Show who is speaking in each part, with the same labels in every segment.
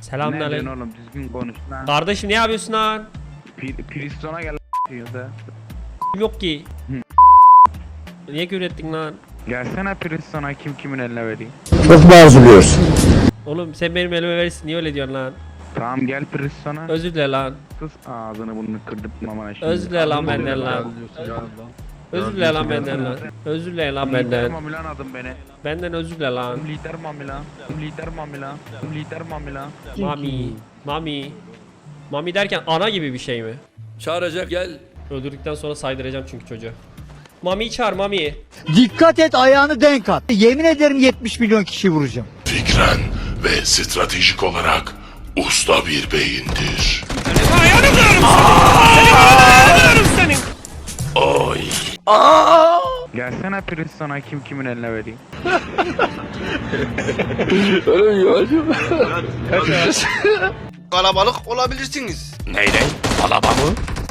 Speaker 1: Ne
Speaker 2: Selamünaleyküm.
Speaker 1: diyorsun oğlum, düzgün konuş lan.
Speaker 2: Kardeşim ne yapıyorsun lan?
Speaker 1: Priston'a gel diyor da.
Speaker 2: Yok ki. Niye küfür ettin lan?
Speaker 1: Gelsene Priston'a, kim kimin eline vereyim.
Speaker 3: Çok mu arzuluyorsun?
Speaker 2: Oğlum sen benim elime verirsin, niye öyle diyorsun lan?
Speaker 1: Tamam gel Priston'a.
Speaker 2: Özür dile lan.
Speaker 1: Sus ağzını burnunu kırdırtmamana şimdi.
Speaker 2: Özür dile lan benden lan. Özür dile lan benden lan. Özür dile lan
Speaker 1: Lider
Speaker 2: benden.
Speaker 1: mami lan adım beni.
Speaker 2: Benden özür dile lan.
Speaker 1: Lider mami lan. Lider mami lan. Lider mami lan.
Speaker 2: Mami. Mami. Mami derken ana gibi bir şey mi?
Speaker 4: Çağıracak gel.
Speaker 2: Öldürdükten sonra saydıracağım çünkü çocuğa. Mami çağır Mami.
Speaker 3: Dikkat et, ayağını denk at. Yemin ederim 70 milyon kişi vuracağım.
Speaker 5: Fikren ve stratejik olarak usta bir beyindir. Oy.
Speaker 1: Gelsene Priston'a, kim kimin eline vereyim.
Speaker 6: Kalabalık olabilirsiniz.
Speaker 5: Neyden? Alaba mı?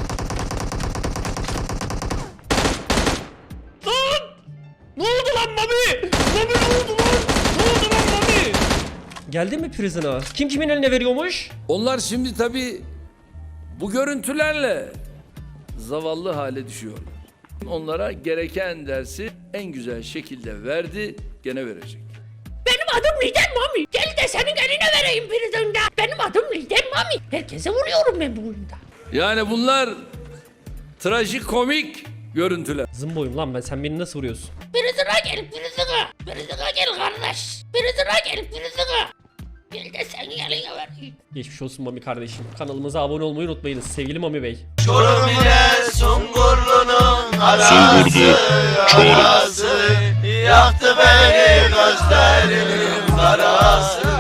Speaker 2: Ne oldu lan Mami? Mami ne oldu lan? Ne oldu lan Mami? Geldin mi prison'a? Kim kimin eline veriyormuş?
Speaker 4: Onlar şimdi tabii bu görüntülerle zavallı hale düşüyorlar. Onlara gereken dersi en güzel şekilde verdi, gene verecek.
Speaker 7: Benim adım Lider Mami. Gel de senin eline vereyim prisonda. Benim adım Lider Mami. Herkese vuruyorum ben bu oyunda.
Speaker 4: Yani bunlar trajikomik görüntüler.
Speaker 2: Zımboyum lan ben, sen beni nasıl vuruyorsun?
Speaker 7: Prison'a gel prison'a. Prison'a gel kardeş. Prison'a gel prison'a. Gel de senin eline vereyim.
Speaker 2: Geçmiş olsun Mami kardeşim. Kanalımıza abone olmayı unutmayınız sevgili Mami Bey.
Speaker 6: Çorum ile Sungurlu'nun arası, arası yaktı beni gözlerinin karası.